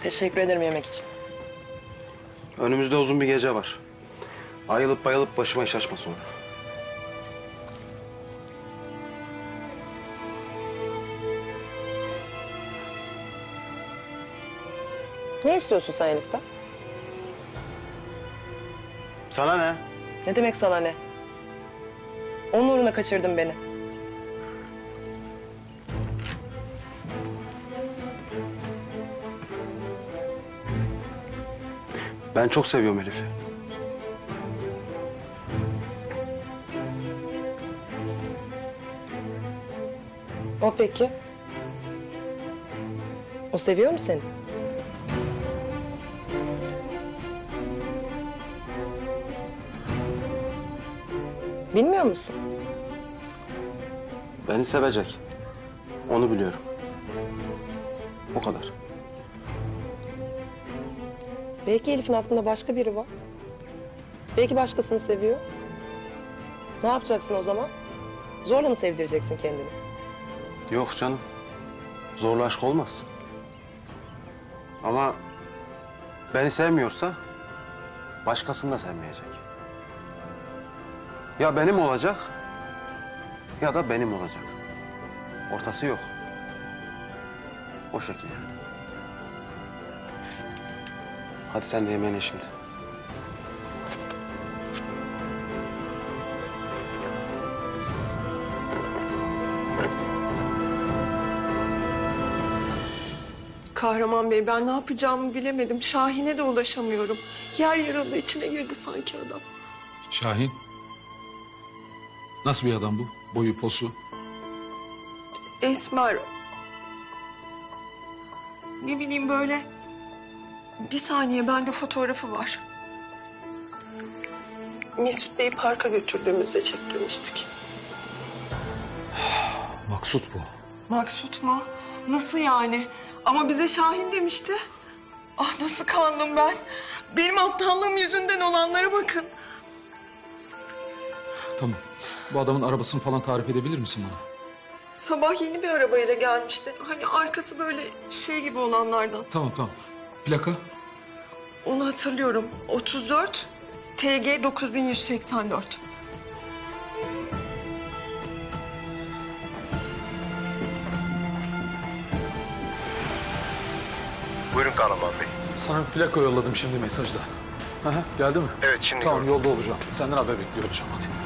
Teşekkür ederim yemek için. Önümüzde uzun bir gece var. Ayılıp bayılıp başıma iş açma sonra. Ne istiyorsun sen Elif'ten? Sana ne? Ne demek sana ne? Onun uğruna kaçırdın beni. Ben çok seviyorum Elif'i. O peki? O seviyor mu seni? Bilmiyor musun? Beni sevecek. Onu biliyorum. O kadar. Belki Elif'in aklında başka biri var. Belki başkasını seviyor. Ne yapacaksın o zaman? Zorla mı sevdireceksin kendini? Yok canım. Zorla aşk olmaz. Ama beni sevmiyorsa başkasını da sevmeyecek. Ya benim olacak ya da benim olacak. Ortası yok. O şekilde. Hadi sen de yemeğine şimdi. Kahraman Bey, ben ne yapacağımı bilemedim. Şahin'e de ulaşamıyorum. Yer yarıldı, içine girdi sanki adam. Şahin. Nasıl bir adam bu? Boyu, posu. Esmer. Ne bileyim böyle. Bir saniye, bende fotoğrafı var. Mesut Bey'i parka götürdüğümüzde çektirmiştik. Maksut bu. Maksut mu? Nasıl yani? Ama bize Şahin demişti. Ah, nasıl kandım ben. Benim aptallığım yüzünden olanlara bakın. Tamam. Bu adamın arabasını falan tarif edebilir misin bana? Sabah yeni bir arabayla gelmişti. Hani arkası böyle şey gibi olanlardan. Tamam. Plaka? Onu hatırlıyorum. 34 TG 9184. Buyurun Kahraman Bey. Sana bir plaka yolladım şimdi mesajda. Geldi mi? Evet, şimdi Tamam, gördüm. yolda olacağım. Senden haber bekliyor olacağım hadi.